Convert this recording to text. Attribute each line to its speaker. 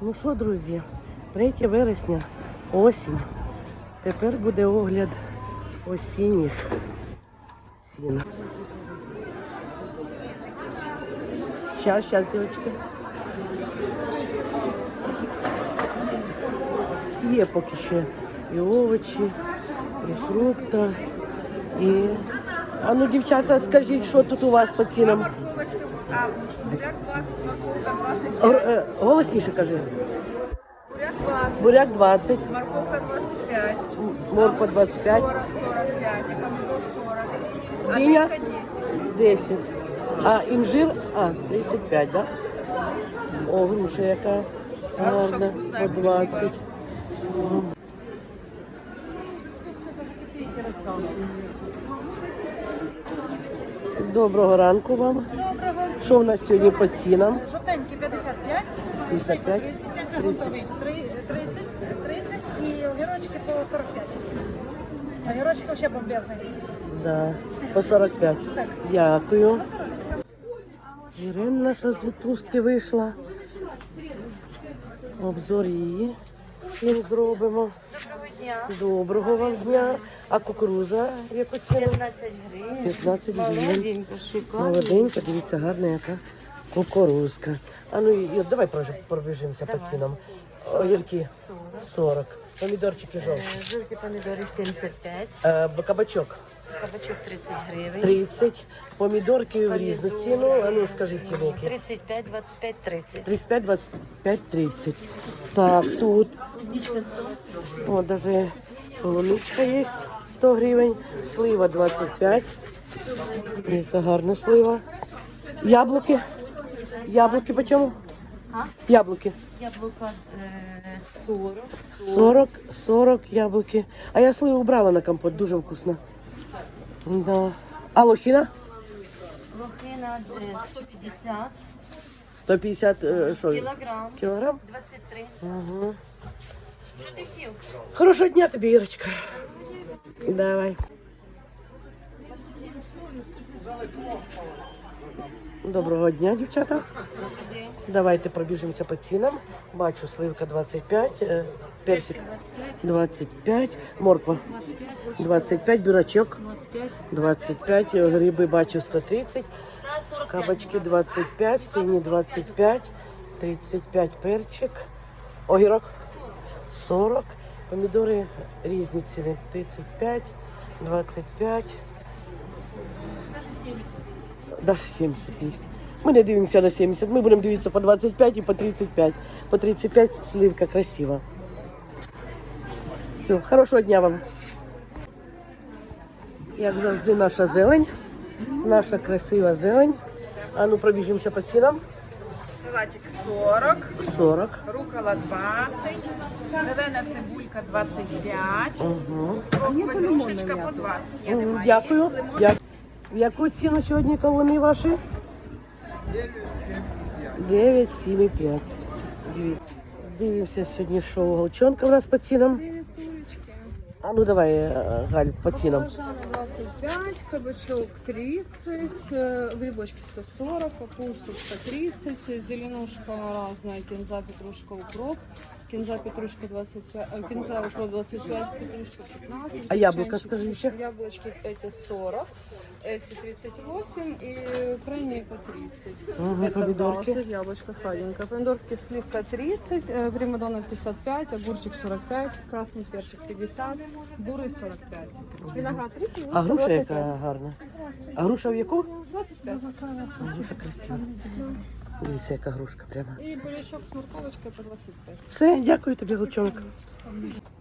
Speaker 1: Ну що, друзі, 3 вересня, осінь. Тепер буде огляд осінніх цін. Щас, дівчатки. Є поки ще і овочі, і фрукти, і... А ну, дівчата, скажіть, що тут у вас по цінам?
Speaker 2: Буряк 20, морковка 25.
Speaker 1: Голосніше кажи.
Speaker 2: Буряк 20.
Speaker 1: Буряк 20.
Speaker 2: Морковка 25.
Speaker 1: Морква 25.
Speaker 2: 40, 45. И помидор 40. А
Speaker 1: Диня?
Speaker 2: тыква 10.
Speaker 1: 10. А інжир? 35, да? О, груша яка гарна, по 20. Доброго ранку вам.
Speaker 3: Доброго.
Speaker 1: Що у нас сьогодні по цінам?
Speaker 3: Жовтенький 55,
Speaker 1: 55,
Speaker 3: 35, це готовий 30 і огірочки по 45. Огірочки ще бомбезний.
Speaker 1: Да, по 45. Дякую. Ірина наша з відпустки вийшла. Обзор її всім зробимо.
Speaker 3: Доброго дня.
Speaker 1: Доброго вам дня. А кукуруза яку ціну?
Speaker 3: 15 гривень.
Speaker 1: 15 гривень.
Speaker 3: Молоденька, шикарна.
Speaker 1: Молоденька, дивіться, гарна яка кукурузка. А ну і давай пробіжимося по цінам. Огірки 40. Помідорчики жовті.
Speaker 3: Жовті помідори 75.
Speaker 1: Кабачок
Speaker 3: Кабачок 30 гривень.
Speaker 1: 30. Помідорки в різну ціну. А ну скажіть ціни.
Speaker 3: 35, 25, 30.
Speaker 1: 35, 25, 30. Так, тут. О, даже полуничка є 100 гривень. Слива 25. Це гарна слива. Яблуки. Яблуки по чому? Яблуки.
Speaker 3: Яблука 40.
Speaker 1: 40 яблуки. А я сливу брала на компот, дуже вкусно. Да. А лохина?
Speaker 3: Лохина 150.
Speaker 1: 150 що?
Speaker 3: Кілограм.
Speaker 1: Кілограм?
Speaker 3: 23.
Speaker 1: Угу.
Speaker 3: Що ти хотів?
Speaker 1: Хорошого дня тобі, Ірочка. Давай. Доброго дня, дівчата. Давайте пробіжимося по цінам. Бачу, сливка 25, персик 25, морква 25, бурячок 25, гриби бачу 130, кабачки 25, сині 25, 35 перчик, огірок 40, помідори різні ціни 35, 25, навіть 70 є. Ми не дивимося на 70, ми будемо дивитися по 25 і по 35. По 35 сливка красива. Все, хорошого дня вам. Як завжди, наша зелень, наша красива зелень. А ну пробіжимося по цінам.
Speaker 2: Салатик 40.
Speaker 1: 40.
Speaker 2: Рукола 20. Зелена цибулька 25.
Speaker 1: Угу.
Speaker 2: Петрушечка по 20. Я не маю.
Speaker 1: Дякую.
Speaker 2: Є лимон.
Speaker 1: В яку ціну сьогодні кавуни ваші? 9,75. Дивимося сьогодні, що голчонка у нас по цінам. А ну давай, Галь, по цінам.
Speaker 4: Баклажаны 25, кабачок 30, грибочки 140, капуста 130, зеленушка разная, кинза, петрушка, укроп. Кинза, петрушка 25, кинза, укроп 25, петрушка 15.
Speaker 1: А яблоко,
Speaker 4: печенчик,
Speaker 1: скажи еще.
Speaker 4: Яблочки эти 40, эти 38 и крайние по 30.
Speaker 1: Ага,
Speaker 4: Это
Speaker 1: помидорки.
Speaker 4: 20, яблочко сладенькое. Помидорки сливка 30, примадонна 55, огурчик 45, красный перчик 50, бурый 45. Виноград 30,
Speaker 1: А груша
Speaker 4: 25.
Speaker 1: яка гарна. А груша в яку?
Speaker 4: 25.
Speaker 1: Груша красива. Дивіться, яка грушка прямо.
Speaker 4: И бурячок с морковочкой по 25.
Speaker 1: Все, дякую тобі, голчонок.